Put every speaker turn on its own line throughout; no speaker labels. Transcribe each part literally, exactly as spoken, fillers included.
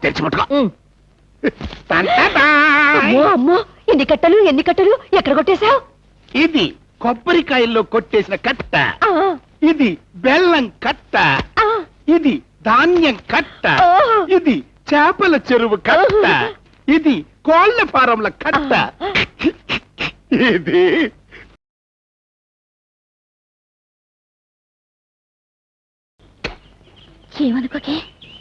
తెరిచి ముట్టుకో.
అమ్మో, ఎన్ని కట్టలు ఎన్ని కట్టలు ఎక్కడ కొట్టేశావు?
ఇది కొబ్బరికాయల్లో కొట్టేసిన కట్ట, ఇది బెల్లం కట్ట, ఇది ధాన్యం కట్ట, ఇది చేపల చెరువు కట్ట, ఇది కోళ్ల ఫారంల కట్ట, ఇది
ఏమనుకోకే.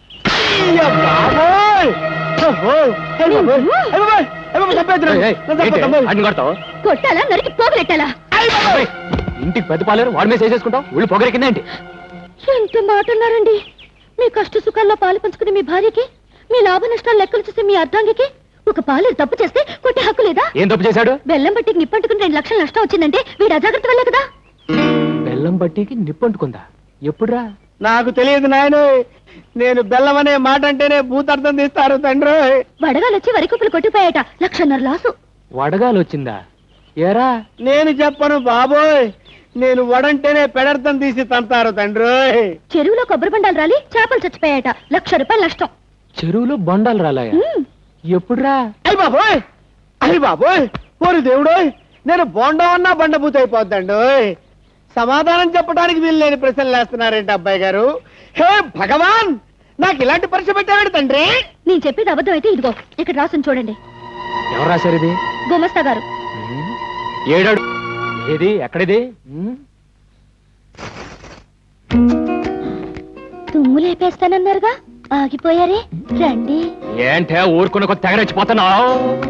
కొట్టాలా నరికి పోగలెట్టాలా?
ఇంటికి పెద్ద పాలేరు వాడి మీద చేసేసుకుంటావు, ఊళ్ళు పొగరెక్కిందేంటి?
ఎంత మాట అన్నారండి. మీ కష్ట సుఖాల్లో పాలు పంచుకుని మీ భార్యకి, మీ లాభ నష్టాలు లెక్కలు చూసి మీ అర్ధాంగికి ఒక పాలేరు తప్పు చేస్తే కొట్టే హక్కు లేదా?
ఏం తప్పు చేశాడు?
బెల్లం బట్టికి నిప్పంటుకుని రెండు లక్షల నష్టం వచ్చిందంటే వీడు అజాగ్రత్త వల్లే కదా.
బెల్లం బట్టికి నిప్పంటుకుందా? ఎప్పుడురా?
నాకు తెలియదు నాయన. నేను బెల్లం అనే మాట అంటేనే భూతార్థం తీస్తారు తండ్రి.
వడగాలు వచ్చి వరి కుప్పలు కొట్టిపోయాట, లక్షన్నర లాసు.
వడగాలు వచ్చిందా? ఏరా
నేను చెప్పను బాబోయ్, నేను వడంటేనే పెడర్థం తీసి తంతారు తండ్రి.
చెరువులో కొబ్బరి బండాలు రాలి చేపలు చచ్చిపోయాట, లక్ష రూపాయలు నష్టం.
చెరువులో బండాలు రాలాయా? ఎప్పుడురా?
అయ్యి బాబోయ్, అయ్యి బాబోయ్, ఓరి దేవుడోయ్, నేను బోండం అన్నా బండబూత అయిపోద్దండి. సమాధానం చెప్పడానికి వీలు లేని ప్రశ్నలు వేస్తున్నారేంటి అబ్బాయి గారు? హే భగవాన్, నాకు ఇలాంటి పరీక్ష పెట్టాడు తండ్రి.
నేను చెప్పేది అబద్ధం అయితే ఇదిగో ఇక్కడ రాసుని చూడండి.
ఎవరు రాశారు ఇది?
గుమస్తా గారు.
ఏడాడు ఏది? ఎక్కడిది?
తుమ్ము లేపేస్తానన్నారుగా, ఆగిపోయారే, రండి.
ఏంటే ఊరుకున్న కొద్ది తెగరెచ్చిపోతున్నావు?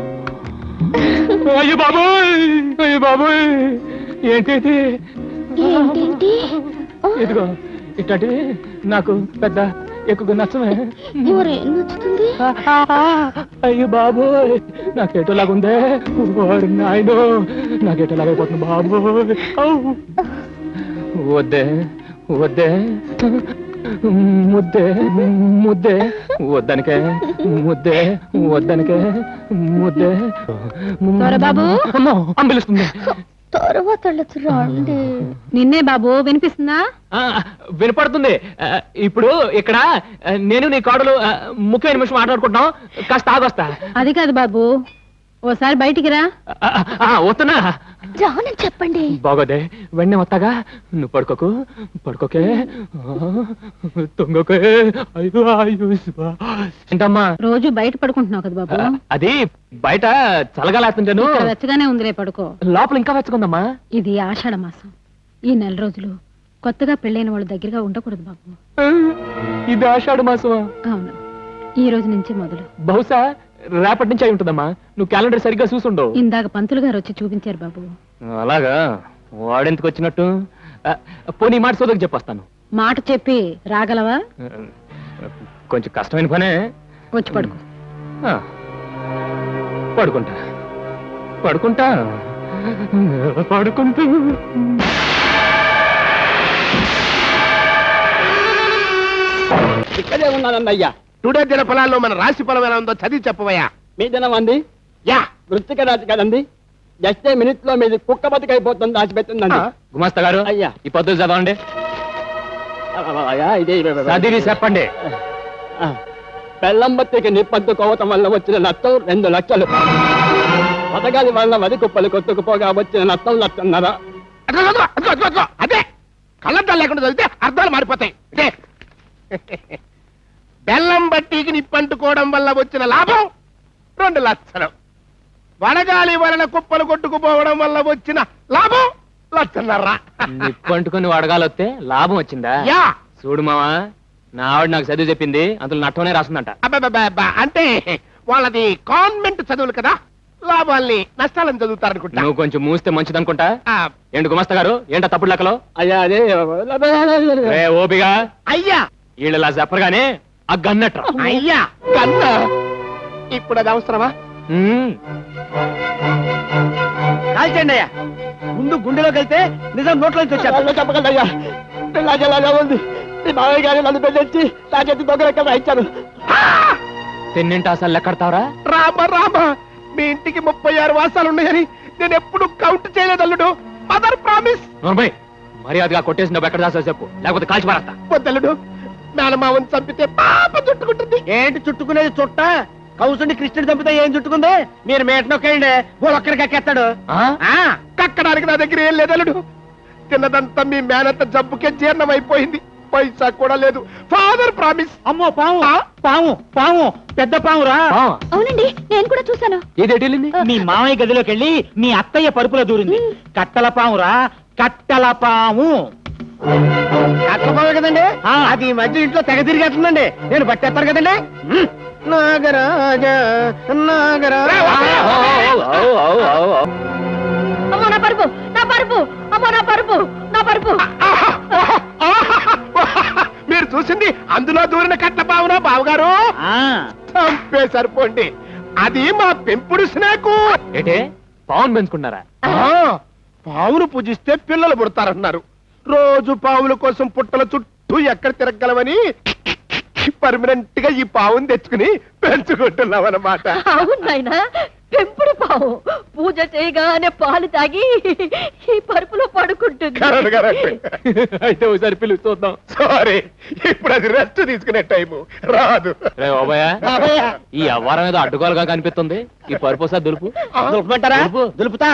అయ్యో బాబోయ్, అయ్యో బాబోయ్, ఏంటి
ఏంటేంటి?
ఇదిగో ఇట్లాంటివి నాకు పెద్ద ఎక్కువ నచ్చమే.
నచ్చుతుంది.
అయ్యో బాబోయ్, నాకేటోలాగుందే. నాయనో, నాకేటోలాగైపోతుంది బాబోయ్. వద్దే వద్దే ముద్దే ముద్దే వద్దనికే ముద్దే వద్దనికే ముద్దే.
బాబు
అంబిలుస్తుంది.
తర్వాత రండి. నిన్నే బాబు, వినిపిస్తుందా?
వినపడుతుంది. ఇప్పుడు ఇక్కడ నేను నీ కోడలు ముఖ్యమైన నిమిషం మాట్లాడుకుంటున్నాం, కాస్త ఆగొస్తా.
అది కాదు బాబు, ఓసారి బయటికి రా.
వస్తున్నా.
రానని చెప్పండి.
బాగోదే, వెంటనే వస్తాగా. నువ్వు పడుకోకు, పడుకోకే, తొంగకే. ఏంటమ్మా
రోజు బయట పడుకుంటున్నావు కదా బాబు?
అది బయట చల్లగాలేస్తుంటాను.
వెచ్చగానే ఉందిలే, పడుకో.
లోపల ఇంకా వెచ్చకుందమ్మా.
ఇది ఆషాఢ మాసం. ఈ నెల రోజులు కొత్తగా పెళ్ళైన వాళ్ళ దగ్గరగా ఉండకూడదు బాబు.
ఇది ఆషాఢ మాసమా?
అవును, ఈ రోజు నుంచి మొదలు.
బహుశా రేపటి నుంచి అయి ఉంటుందమ్మా. నువ్వు క్యాలెండర్ సరిగ్గా చూసుండవు.
ఇందాక పంతులు గారు వచ్చి చూపించారు బాబు.
అలాగా? వాడెందుకు వచ్చినట్టు? పోనీ మాట సోదరికి చెప్పొస్తాను.
మాట చెప్పి రాగలవా?
కొంచెం కష్టమైన పనే.
వచ్చి పడుకో.
పడుకుంటా పడుకుంటా పడుకుంటూ.
ఇక్కడే ఉన్నానన్నయ్యా.
టుడే దిన ఫలాల్లో మన రాశి ఫలం ఎలా ఉందో చదివి చెప్పవయ్యా.
మీ దినం అంది
యా
వృత్తిక రాశి కదండి. జస్ట్ మినిట్ లో మీది కుక్క బతికైపోతుంది, దాచిపెట్టిందండి.
గుమాస్తా గారు,
అయ్యా
ఈ పద్ధతి చదవండి.
ఇదే
చదివి చెప్పండి.
బెల్లం బత్తికి నిప్పంటుకోవటం వల్ల వచ్చిన నష్టం రెండు లక్షలు. పథకాల వల్ల వరి కుప్పలు కొట్టుకుపోగా వచ్చిన నష్టం లక్షన్నర.
అదే కళ్ళద్దాలు లేకుండా చదివితే అర్థాలు మారిపోతాయి. బెల్లం బట్టీకి నిప్పంటుకోవడం వల్ల వచ్చిన లాభం రెండు లక్షలు. వడగాలి వలన కుప్పలు కొట్టుకుపోవడం వల్ల వచ్చిన లాభం లక్షన్నర.
నిప్పంటుకుని వడగాలొస్తే లాభం వచ్చిందా?
యా
చూడు మావా, నా ఆవిడ నాకు చదువు చెప్పింది, అందులో నట్టమనే రాస్తుందంట.
అబ్బా, అంటే వాళ్ళది కాన్వెంట్ చదువులు కదా, లాభాల్ని నష్టాలని చదువుతారనుకుంటా.
నువ్వు కొంచెం మూస్తే మంచిదనుకుంటా. ఏంటి గుమస్తా గారు, ఏంటో తప్పుడు లెక్కలో?
అయ్యా అదే
ఓపిగా
అయ్యా,
వీళ్ళలా చెప్పరుగానే ఆ గన్నట్ర.
అయ్యా గన్న, ఇప్పుడు అది అవసరమా?
కాల్చండి అయ్యా. ముందు గుండెలోకి వెళ్తే నిజం నోట్లోంచి వచ్చారు. చెప్పగలయ్యా, పిల్లాజలాగా ఉంది. మీ మావయ్య గారు నన్ను పెళ్ళొచ్చి నా చేతి దొంగలెక్క ఇచ్చారు.
తిన్నింటి అసలు లెక్కడతావరా?
రామ రామ, మీ ఇంటికి ముప్పై ఆరు వాసాలు ఉన్నాయని నేను ఎప్పుడు కౌంట్ చేయలేదు అల్లుడు. Mother promise.
మర్యాదగా కొట్టేసిన డబ్బు ఎక్కడ దాసా చెప్పు, లేకపోతే కాల్చి పారేస్తా.
వద్దల్లుడు, మేనమావని చంపితే పాప చుట్టుకుంటుంది.
ఏంటి చుట్టుకునేది చుట్ట? కౌసుని కృష్ణుడు చంపితే ఏం చుట్టుకుంది? మీరు మేటనొక్కండి ఒక్కడికి ఎక్కేస్తాడు.
ఆ?
కక్కడానికి నా దగ్గర ఏం లేదలుడు. తిన్నదంతా మీ మేనత్త జబ్బుకే జీర్ణం అయిపోయింది. పైసా కూడా లేదు. Father promise.
అమ్మో పాము పాము పాము పెద్ద పామురా.
పావా?
అవునండి, నేను కూడా చూశాను.
ఏది ఎటు వెళ్ళింది?
మీ మామయ్య గదిలోకి వెళ్ళి మీ అత్తయ్య పరుపులో దూరింది. కట్టల పామురా, కట్టల పాము. కట్టల పాము కదండి, అది ఈ మధ్య ఇంట్లో తెగ తిరిగేస్తుందండి. నేను పట్టేస్తాను కదండి. నాగరాజ నాగరాజ.
అమ్మో నా పరుపు, నా పరుపు, అమ్మో నా పరుపు, నా పరుపు.
మీరు చూసింది అందులో దూరిన కట్ల పావునా బావగారు? చంపే సరిపోండి. అది మా పెంపుడు స్నేకు.
ఏటే పావును పెంచుకున్నారా?
పావును పూజిస్తే పిల్లలు పుడతారన్నారు. రోజు పావుల కోసం పుట్టల చుట్టూ ఎక్కడ తిరగలవని పర్మనెంట్ గా ఈ పావును తెచ్చుకుని పెంచుకుంటున్నాం అన్నమాట.
అవును నాయనా, పెంపుడు పావు పూజ చేయగానే పాలు తాగి ఈ పరుపులో పడుకుంటుంది.
Correct, correct.
అయితే ఒకసారి పిలుచి చూద్దాం.
సారీ, ఇప్పుడు అది రెస్ట్ తీసుకునే టైము రాదు.
రే బాబాయ్, ఈ అవ్వారం ఏదో అడ్డుకోలుగా కనిపిస్తుంది. ఈ పరుపు ఒకసారి దులుపు.
దులుపమంటారా?
దులుపు.
దులుపుతా.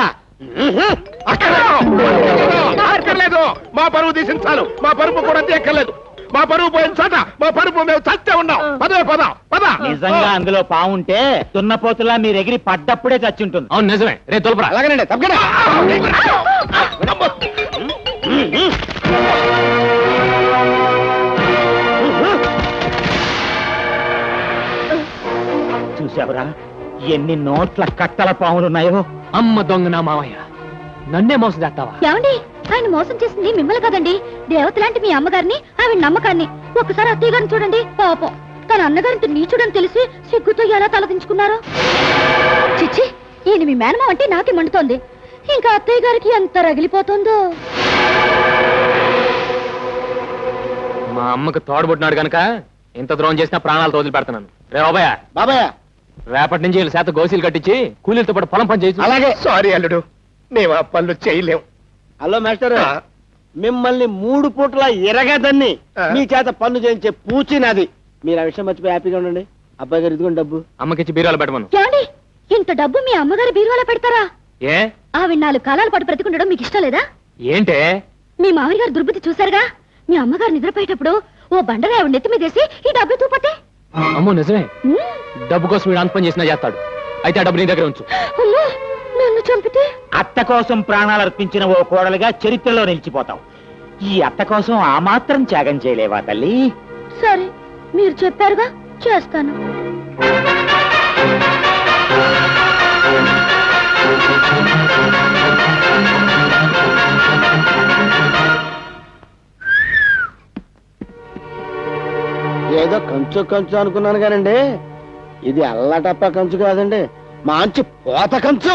అక్కర్లేదు, అక్కర్లేదు. మా పరువు తీసించాలు. మా పరుపు కూడా తీయక్కర్లేదు. మా పరువు పోయిన చోట మా పరుపు మేము చచ్చే ఉన్నాం. పదే పద పద.
నిజంగా అందులో పావుంటే దున్నపోతులా మీరు ఎగిరి పడ్డప్పుడే చచ్చుంటుంది.
అవును నిజమే. రే తులపరా.
అలాగేనండి, తప్పకుండా. చూసావురా ఎన్ని నోట్ల కట్టల పాములున్నాయో.
అమ్మ దొంగ నా మావయ్య, నన్నే మోసం చేస్తావా?
ఏమండి, ఆయన మోసం చేసింది మిమ్మల్ని కదండి, దేవత లాంటి మీ అమ్మగారిని, ఆవిడ నమ్మకాన్ని. ఒక్కసారి అత్తయ్య గారిని చూడండి. పాపం తన అన్నగారితో నీచుడని తెలిసి సిగ్గుతో ఎలా తలదించుకున్నారో. చిచ్చి, ఈయన మీ మేనమా అంటే నాకే మండుతోంది. ఇంకా అత్తయ్య గారికి ఎంత రగిలిపోతుందో.
మా అమ్మకు తోడబుట్టినాడు కనుక ఇంత ద్రోహం చేసినా ప్రాణాలు వదిలి పెడతాను. రే బాబాయ్,
బాబాయ్
రేపటి నుంచి వీళ్ళ శాత గోసీలు కట్టించి కూలీలతో పాటు పొలం పని చేసి.
అలాగే.
సారీ అల్లుడు, మేము ఆ పనులు చేయలేం.
హలో మాస్టర్,
ఆ.
మిమ్మల్ని మూడు పూటల ఎరగదన్ని
ఆ.
మీ చేత పన్ను చేయించే పూచి నాది. మీరు ఆ విషయం మర్చిపోయి హ్యాపీగా ఉండండి. అబ్బాయి గారు ఇదిగోండి డబ్బు.
అమ్మకిచ్చి బీరాలు పెట్టమను.
ఏమండి, ఇంత డబ్బు మీ అమ్మగారి బీరువాలో పెడతారా?
ఏ
ఆవిడ నాలుగు కాలాల పాటు బ్రతికుండడం మీకు ఇష్టం లేదా?
ఏంటే?
మీ మామయ్య గారు దుర్బుద్ధి చూశారుగా. మీ అమ్మగారు నిద్రపోయేటప్పుడు ఓ బండగా ఆవిడ నెత్తి మీదేసి ఈ డబ్బు తూపతే.
అమ్మో నిజమే. డబ్బు కోసం వీడు అంత పని చేసినా చేస్తాడు. అయితే ఆ డబ్బు నీ దగ్గర ఉంచు.
అమ్మో, నన్ను చంపితే?
అత్త కోసం ప్రాణాలు అర్పించిన ఓ కోడలుగా చరిత్రలో నిలిచిపోతాం. ఈ అత్త కోసం ఆ మాత్రం త్యాగం చేయలేవా తల్లి?
సరే, మీరు చెప్పారుగా, చేస్తాను.
ఏదో కంచు కంచు అనుకున్నాను కానండి, ఇది అల్లటప్ప కంచు కాదండి, మంచి పోత కంచు.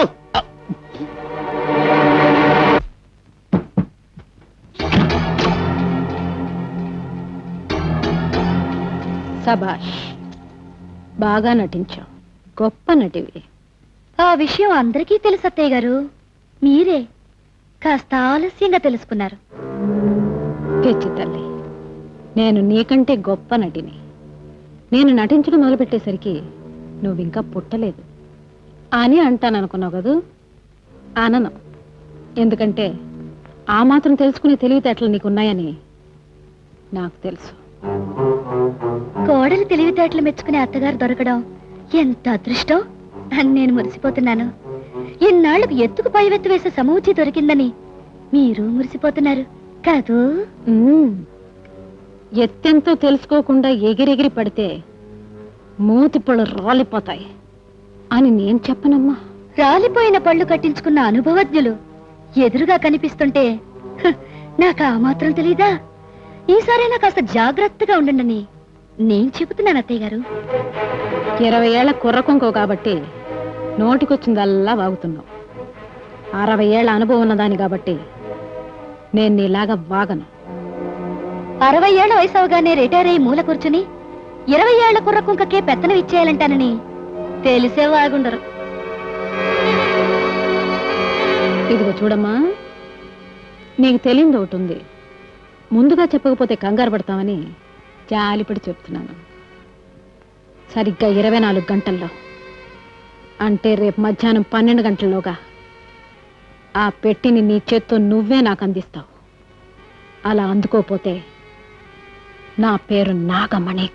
సభాష్, బాగా నటించావు. గొప్ప నటివి. ఆ విషయం అందరికీ తెలుసు అత్తయ్య గారు. మీరే కాస్త ఆలస్యంగా తెలుసుకున్నారు.
పిచ్చి తల్లి, నేను నీకంటే గొప్ప నటిని. నేను నటించడం మొదలుపెట్టేసరికి నువ్వింకా పుట్టలేదు అని అంటాను అనుకున్నావు కదూ? అనను. ఎందుకంటే ఆ మాత్రం తెలుసుకునే తెలివితేటలు నీకున్నాయని నాకు తెలుసు.
కోడలు తెలివితేటలు మెచ్చుకునే అత్తగారు దొరకడం ఎంత అదృష్టం అని నేను మురిసిపోతున్నాను. ఇన్నాళ్లకు ఎత్తుకు పైవెత్తు వేసే సమూచి దొరికిందని మీరు మురిసిపోతున్నారు కాదు?
ఉమ్, ఎత్తెంతో తెలుసుకోకుండా ఎగిరెగిరి పడితే మూతి పళ్ళు రాలిపోతాయి అని నేను చెప్పనమ్మా.
రాలిపోయిన పళ్ళు కట్టించుకున్న అనుభవజ్ఞులు ఎదురుగా కనిపిస్తుంటే హ, నాకు ఆ మాత్రం తెలీదా? ఈసారైనా కాస్త జాగ్రత్తగా ఉండండి నేను చెబుతున్నాను అత్తయ్య గారు.
ఇరవై ఏళ్ల కుర్రకొంకో కాబట్టి నోటికొచ్చిందల్లా వాగుతున్నావు. అరవై ఏళ్ల అనుభవం ఉన్నదాని కాబట్టి నేను నీలాగా వాగను.
అరవై ఏళ్ల వయసు అవగానే రిటైర్ అయ్యి మూల కూర్చుని ఇరవై ఏళ్ల కుర్ర కుంకకే పెత్తనం ఇచ్చేయాలంటానని తెలిసే వాగుండరు.
ఇదిగో చూడమ్మా, నీకు తెలియదు ఒకటి ఉంది. ముందుగా చెప్పకపోతే కంగారు పడతామని జాలిపడి చెప్తున్నాను. సరిగ్గా ఇరవై నాలుగు గంటల్లో అంటే రేపు మధ్యాహ్నం పన్నెండు గంటల్లోగా ఆ పెట్టిని నీ చేత్తో నువ్వే నాకు అందిస్తావు. అలా అందుకోపోతే నా పేరు నాగమణి